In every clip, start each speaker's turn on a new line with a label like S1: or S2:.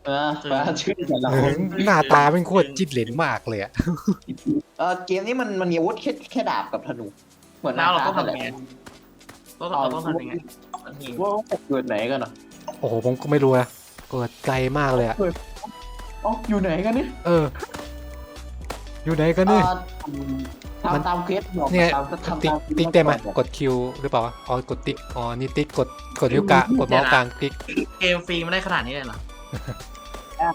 S1: ฟ้าชื่อแต่ละคน
S2: หน้าตาเป็นโคตรจิ้นเหลนมากเลยอะ
S1: เกมนี้มันมีอาวุธแค่ดาบกับธนูเหมือน
S3: แล้วเราต้อง
S1: นั่นแห
S3: ทำ
S1: ละ
S3: ยังไงเราต้องทำยังไง
S1: ว่าเกิดไหนกันอ่ะ
S2: โอ้โหผมก็ไม่รู้นะเกิดไกลมากเลยอะ
S1: อยู่ไหนกันเนี่ย
S2: เออ อยู่ไหนกันนี่
S1: ทำตามเควสบอก
S2: เนี่ย
S1: ทำ
S2: ติ๊ก
S1: ตาม
S2: ติ๊กได้ไหมกดคิวหรือเปล่าวะอ๋อกดติ๊กอ๋อนี่ติ๊กกดนิ้วกลางกดเมาส์กลางติ๊ก
S3: เกมฟรีไม่ได้ขนาดนี้เลยเหรอ
S1: ได้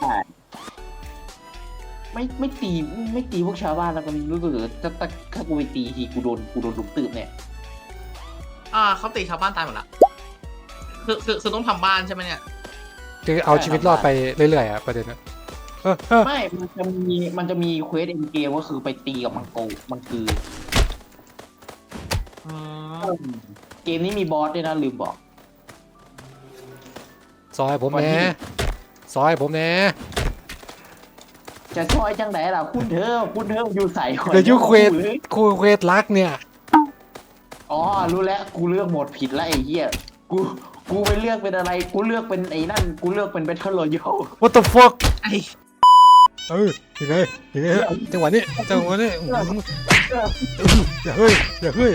S1: ไม่ตีพวกชาวบ้านแล้วกันรู้สึกถ้ากูไปตีทีกูโดนลุมตืบเนี่ย
S3: เขาตีชาวบ้านตายหมดละคือต้องทำบ้านใช่ไหมเนี่ย
S2: คือเอาชีวิตรอดไปเรื่อยๆอะประเด็นนะเออ
S1: ไม่มันจะมีเควสเอ็นเกมก็คือไปตีกับมังคือ เกมนี้มีบอสด้วยนะลืมบอก
S2: ซอยผมแหน่ซอยผมแหน่
S1: จะช่วยจังไหนล่ะคุณเธออยู่ใส่
S2: เดี๋ยวยูเควสรักเนี่ย
S1: อ๋อรู้แล้วกูเลือกโหมดผิดแล้วไอ้เหี้ยกูไปเลือกเป็นอะไรกูเลือกเป็นไอ้นั่นกูเลือกเป็น Battle Royale
S2: What the fuck
S3: ไอ้
S2: ยังไงจังหวะนี้อย่าเฮ้ยอย่าเฮ้ย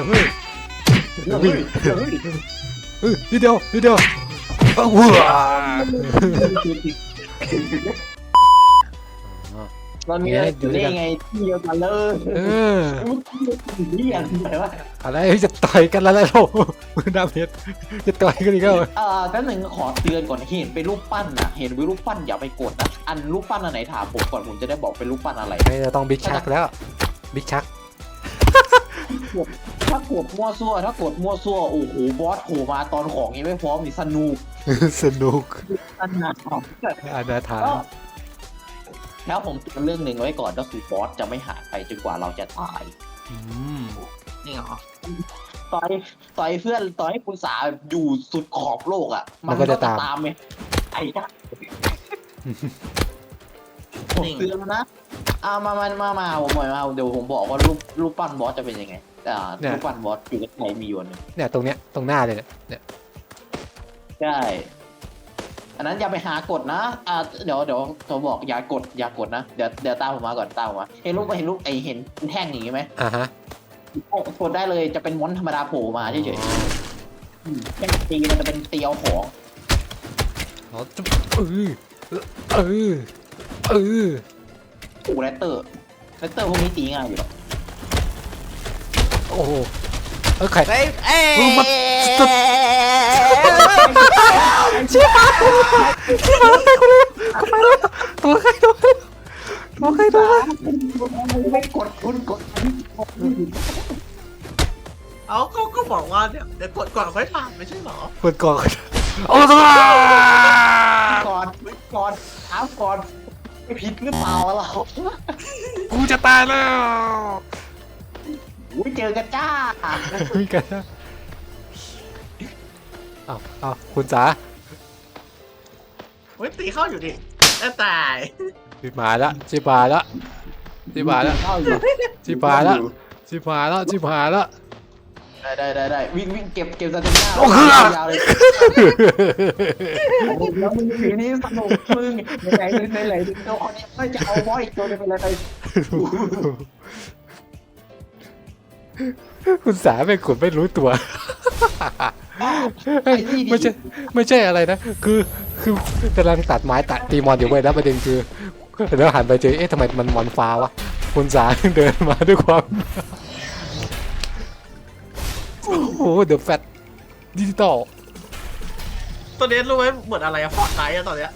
S2: นิดเดียวว้า
S1: ตอนนี้อยู่ได้ไงที่เดียวกันเลยนี่อย่างไรวะ
S2: อะไรจะต่อยกันแล้วเรามือดาเพชรจะต่อยกันอีกแล้ว
S1: กันหนึ่งขอเตือนก่อนเห็นเป็นรูปปั้นนะเห็นเป็นรูปปั้นอย่าไปกดนะอันรูปปั้นอันไหนถามผมก่อนผมจะได้บอกเป็นรูปปั้นอะไร
S2: ไม่จะต้องบิ๊กชักแล้วบิ๊กชัก
S1: ถ้ากดมั่วซั่วโอ้โหบอสโผล่มาตอนของยังไม่พร้อมนี่สนุก
S2: สนุก
S1: อันนั้น
S2: อนาถา
S1: แล้วผมเตือนเรื่องหนึ่งไว้ก่อนก็คือบอสจะไม่หายไปจนกว่าเราจะตาย
S3: นี่เหรอ
S1: ต่อยเพื่อนต่อยให้คุณสาอยู่สุดขอบโลกอ่ะมันก็จะตามไหมไอ้จ้าผมเตือนนะมาผมหน่อยมาเดี๋ยวผมบอกว่ารูปปั้นบอสจะเป็นยังไงรูปปั้นบอสอยู่ในมีอยู่นึง
S2: เนี่ยตรงเนี้ยตรงหน้าเลยเนี่ย
S1: ใช่อันนั้นอย่าไปหากดนะเดี๋ยวเขาบอกอย่ากดนะเดี๋ยวตามผมมาก่อนตามผมมาเห็นรูปไอเห็นแท่งอย่างนี้ไหม
S2: ฮะ
S1: กดได้เลยจะเป็นมอนธรรมดาโผล่มาเฉยๆแค่ตีมันจะเป็นตีเอาของ
S2: อ๋อจุ๊บ
S1: กูแรตเตอร์พวกนี้ตีง่ายอยู่หรอ
S2: โอ้โหไข่
S1: มัน
S2: ชิบหายคนเลยตัวใคร
S1: ไม่กดคุณกด
S3: เอาก็บอกว่าเนี่ยเดี๋ยวกดก่อนค่อยทำไม่ใช่เหรอ
S2: กดก่อนโอ้ตัว
S1: ก่อนถามก่อนไม่ผิดหรือเปล่าเรา
S2: กูจะตายแล้ว
S1: อุ้ยเจอกันจ้า
S2: มีกันนะเอาคุณจ๋า
S3: เฮ้ยตีเข้าอยู่ดิแล้วตาย
S2: ชิบหายละ
S1: ได้วิ่งเก็บสเตมิน่า
S2: โอ้โห
S1: ยาวเลยแล้วมึงสีนี้สนุกมึงไหนตัวคนนี้ไม่จะเอาบอสอีกตัวนึงเป็นอะไร
S2: คุณสาไม่กดไม่รู้ตัวไม่ใช่อะไรนะคือกำลังตัดไม้ตัดตีมอนอยู่เว้ยแล้วประเด็นคือแล้วหันไปเจอทำไมมันมอนฟ้าวะคุณสาเดินมาด้วยความโอ้โหเดอะแฟตดิจิตอล
S3: ตัวนี้รู้ไหมเหมือนอะไรอะฟอร์ดไนท์อะตอนเนี้ย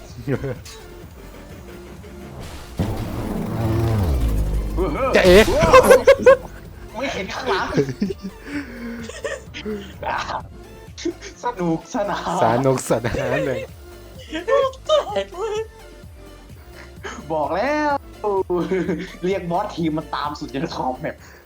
S2: จะเอ๊ะ
S1: ไม่เห็นข้างหลังสนุกสนาน
S2: สนานเลย
S1: บอกแล้วเรียกบอสทีมมันตามสุดจะขอบแมป